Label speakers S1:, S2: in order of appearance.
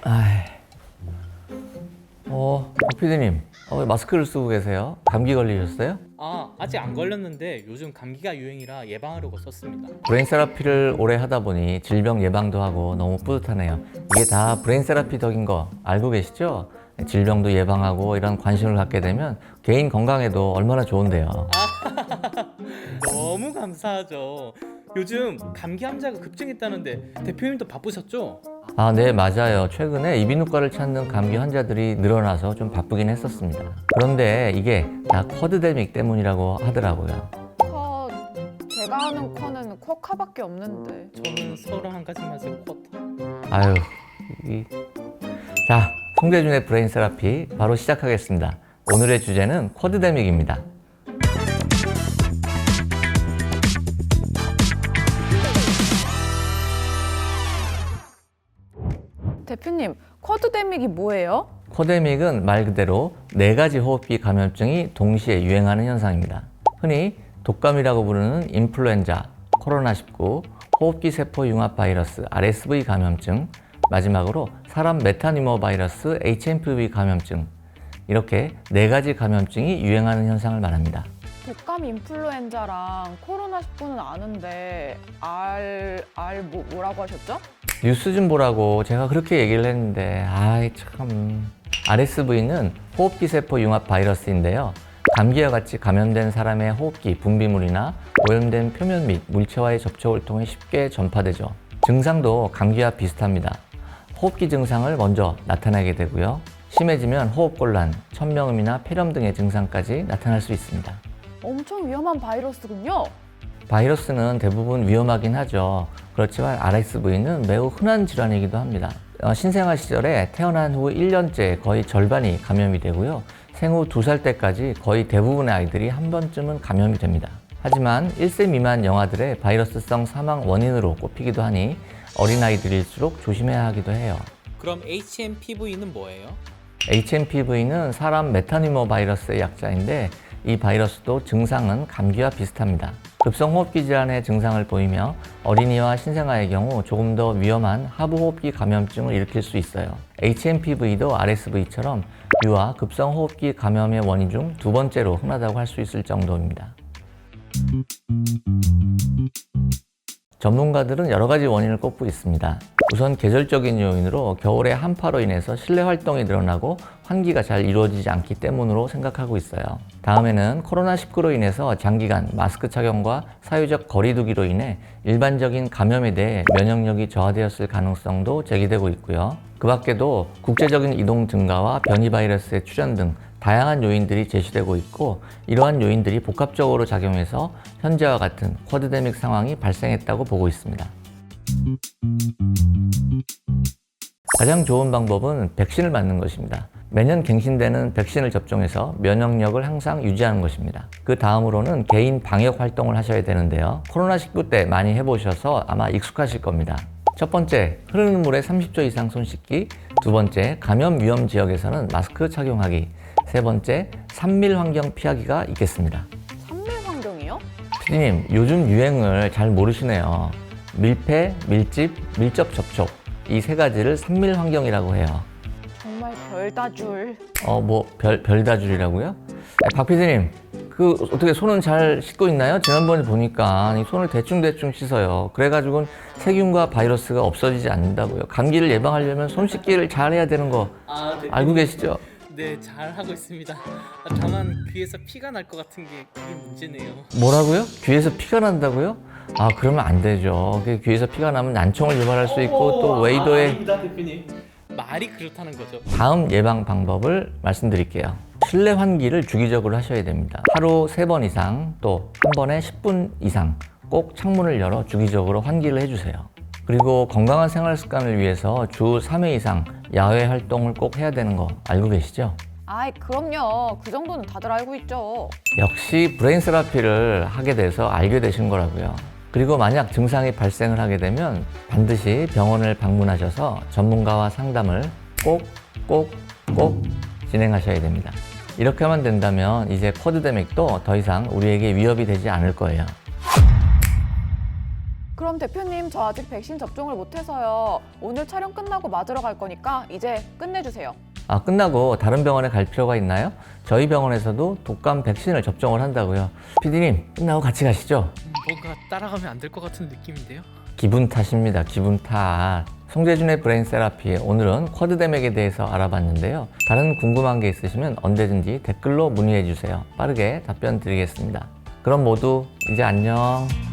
S1: 아이, 박 PD님, 왜 마스크를 쓰고 계세요? 감기 걸리셨어요?
S2: 아직 안 걸렸는데 요즘 감기가 유행이라 예방하려고 썼습니다.
S1: 브레인 세라피를 오래 하다 보니 질병 예방도 하고 너무 뿌듯하네요. 이게 다 브레인 세라피 덕인 거 알고 계시죠? 질병도 예방하고 이런 관심을 갖게 되면 개인 건강에도 얼마나 좋은데요.
S2: 너무 감사하죠. 요즘 감기 환자가 급증했다는데 대표님도 바쁘셨죠?
S1: 네, 맞아요. 최근에 이비인후과를 찾는 감기 환자들이 늘어나서 좀 바쁘긴 했었습니다. 그런데 이게 다 쿼드데믹 때문이라고 하더라고요.
S3: 제가 아는 쿼는 쿼카밖에 없는데.
S2: 저는 서로 한 가지만 쓰고 쿼터.
S1: 아유, 자, 송대준의 브레인 세라피 바로 시작하겠습니다. 오늘의 주제는 쿼드데믹입니다.
S3: 대표님, 쿼드데믹이 뭐예요?
S1: 쿼데믹은 말 그대로 4가지 호흡기 감염증이 동시에 유행하는 현상입니다. 흔히 독감이라고 부르는 인플루엔자, 코로나19, 호흡기 세포 융합 바이러스 RSV 감염증, 마지막으로 사람 메타니모 바이러스 HMPV 감염증, 이렇게 4가지 감염증이 유행하는 현상을 말합니다.
S3: 독감 인플루엔자랑 코로나19는 아는데 뭐라고 하셨죠?
S1: 뉴스 좀 보라고 제가 그렇게 얘기를 했는데 아이 참. RSV는 호흡기 세포 융합 바이러스인데요. 감기와 같이 감염된 사람의 호흡기, 분비물이나 오염된 표면 및 물체와의 접촉을 통해 쉽게 전파되죠. 증상도 감기와 비슷합니다. 호흡기 증상을 먼저 나타내게 되고요. 심해지면 호흡곤란, 천명음이나 폐렴 등의 증상까지 나타날 수 있습니다.
S3: 엄청 위험한 바이러스군요.
S1: 바이러스는 대부분 위험하긴 하죠. 그렇지만 RSV는 매우 흔한 질환이기도 합니다. 신생아 시절에 태어난 후 1년째 거의 절반이 감염이 되고요. 생후 2살 때까지 거의 대부분의 아이들이 한 번쯤은 감염이 됩니다. 하지만 1세 미만 영아들의 바이러스성 사망 원인으로 꼽히기도 하니 어린아이들일수록 조심해야 하기도 해요.
S2: 그럼 HMPV는 뭐예요?
S1: HMPV는 사람 메타니모 바이러스의 약자인데 이 바이러스도 증상은 감기와 비슷합니다. 급성호흡기 질환의 증상을 보이며 어린이와 신생아의 경우 조금 더 위험한 하부호흡기 감염증을 일으킬 수 있어요. HMPV도 RSV처럼 유아 급성호흡기 감염의 원인 중 2번째로 흔하다고 할 수 있을 정도입니다. 전문가들은 여러 가지 원인을 꼽고 있습니다. 우선 계절적인 요인으로 겨울에 한파로 인해서 실내 활동이 늘어나고 환기가 잘 이루어지지 않기 때문으로 생각하고 있어요. 다음에는 코로나19로 인해서 장기간 마스크 착용과 사회적 거리두기로 인해 일반적인 감염에 대해 면역력이 저하되었을 가능성도 제기되고 있고요. 그 밖에도 국제적인 이동 증가와 변이 바이러스의 출현 등 다양한 요인들이 제시되고 있고 이러한 요인들이 복합적으로 작용해서 현재와 같은 쿼드데믹 상황이 발생했다고 보고 있습니다. 가장 좋은 방법은 백신을 맞는 것입니다. 매년 갱신되는 백신을 접종해서 면역력을 항상 유지하는 것입니다. 그 다음으로는 개인 방역 활동을 하셔야 되는데요. 코로나19 때 많이 해보셔서 아마 익숙하실 겁니다. 첫 번째, 흐르는 물에 30초 이상 손 씻기. 두 번째, 감염 위험 지역에서는 마스크 착용하기. 세 번째, 산밀 환경 피하기가 있겠습니다.
S3: 산밀 환경이요?
S1: PD님, 요즘 유행을 잘 모르시네요. 밀폐, 밀집, 밀접 접촉. 이 3가지를 산밀 환경이라고 해요.
S3: 정말 별다줄.
S1: 별다줄이라고요? 박 PD님, 어떻게 손은 잘 씻고 있나요? 지난번에 보니까 이 손을 대충 씻어요. 그래가지고는 세균과 바이러스가 없어지지 않는다고요. 감기를 예방하려면 손 씻기를 잘 해야 되는 거
S2: 네.
S1: 알고 계시죠?
S2: 네, 잘 하고 있습니다. 다만 귀에서 피가 날 것 같은 게 그게 문제네요.
S1: 뭐라고요? 귀에서 피가 난다고요? 그러면 안 되죠. 귀에서 피가 나면 난청을 유발할 수 있고 또 웨이도에
S2: 아닙니다, 대표님. 말이 그렇다는 거죠.
S1: 다음 예방 방법을 말씀드릴게요. 실내 환기를 주기적으로 하셔야 됩니다. 하루 3번 이상 또 한 번에 10분 이상 꼭 창문을 열어 주기적으로 환기를 해주세요. 그리고 건강한 생활 습관을 위해서 주 3회 이상 야외 활동을 꼭 해야 되는 거 알고 계시죠?
S3: 그럼요. 그 정도는 다들 알고 있죠.
S1: 역시 브레인 세라피를 하게 돼서 알게 되신 거라고요. 그리고 만약 증상이 발생을 하게 되면 반드시 병원을 방문하셔서 전문가와 상담을 꼭 진행하셔야 됩니다. 이렇게만 된다면 이제 쿼드데믹도 더 이상 우리에게 위협이 되지 않을 거예요.
S3: 그럼 대표님, 저 아직 백신 접종을 못해서요. 오늘 촬영 끝나고 맞으러 갈 거니까 이제 끝내주세요.
S1: 아, 끝나고 다른 병원에 갈 필요가 있나요? 저희 병원에서도 독감 백신을 접종을 한다고요. PD님, 끝나고 같이 가시죠.
S2: 뭔가 따라가면 안 될 것 같은 느낌인데요?
S1: 기분 탓입니다. 기분 탓. 송재준의 브레인 세라피, 오늘은 쿼드댐액에 대해서 알아봤는데요. 다른 궁금한 게 있으시면 언제든지 댓글로 문의해 주세요. 빠르게 답변 드리겠습니다. 그럼 모두 이제 안녕.